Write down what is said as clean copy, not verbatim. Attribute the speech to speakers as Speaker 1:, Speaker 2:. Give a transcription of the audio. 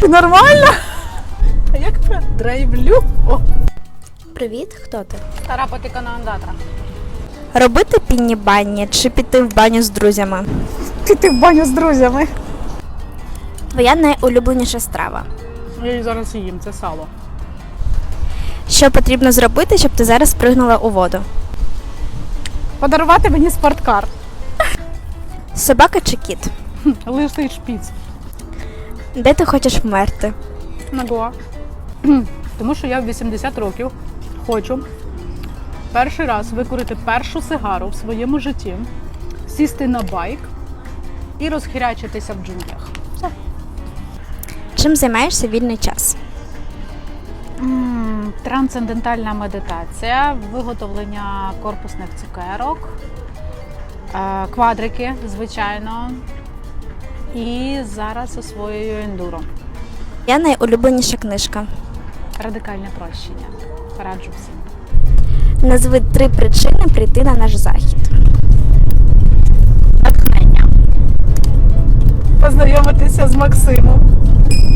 Speaker 1: Нормально? А як про драйвлю? О.
Speaker 2: Привіт, хто ти?
Speaker 1: Стара потикана андатра.
Speaker 2: Робити пінні бані чи піти в баню з друзями?
Speaker 1: Піти в баню з друзями.
Speaker 2: Твоя найулюбленіша страва.
Speaker 1: Я її зараз їм, це сало.
Speaker 2: Що потрібно зробити, щоб ти зараз пригнула у воду?
Speaker 1: Подарувати мені спорткар.
Speaker 2: Собака чи кіт?
Speaker 1: Лисий шпіц.
Speaker 2: Де ти хочеш вмерти?
Speaker 1: На Гоа. Тому що я в 80 років хочу перший раз викурити першу сигару в своєму житті, сісти на байк і розхирячитися в джунглях. Все.
Speaker 2: Чим займаєшся вільний час?
Speaker 1: Трансцендентальна медитація, виготовлення корпусних цукерок, квадрики, звичайно, і зараз освоюю ендуро.
Speaker 2: Я найулюбленіша книжка.
Speaker 1: Радикальне прощення. Раджу всім.
Speaker 2: Назви 3 причини прийти на наш захід.
Speaker 1: Натхнення. Познайомитися з Максимом.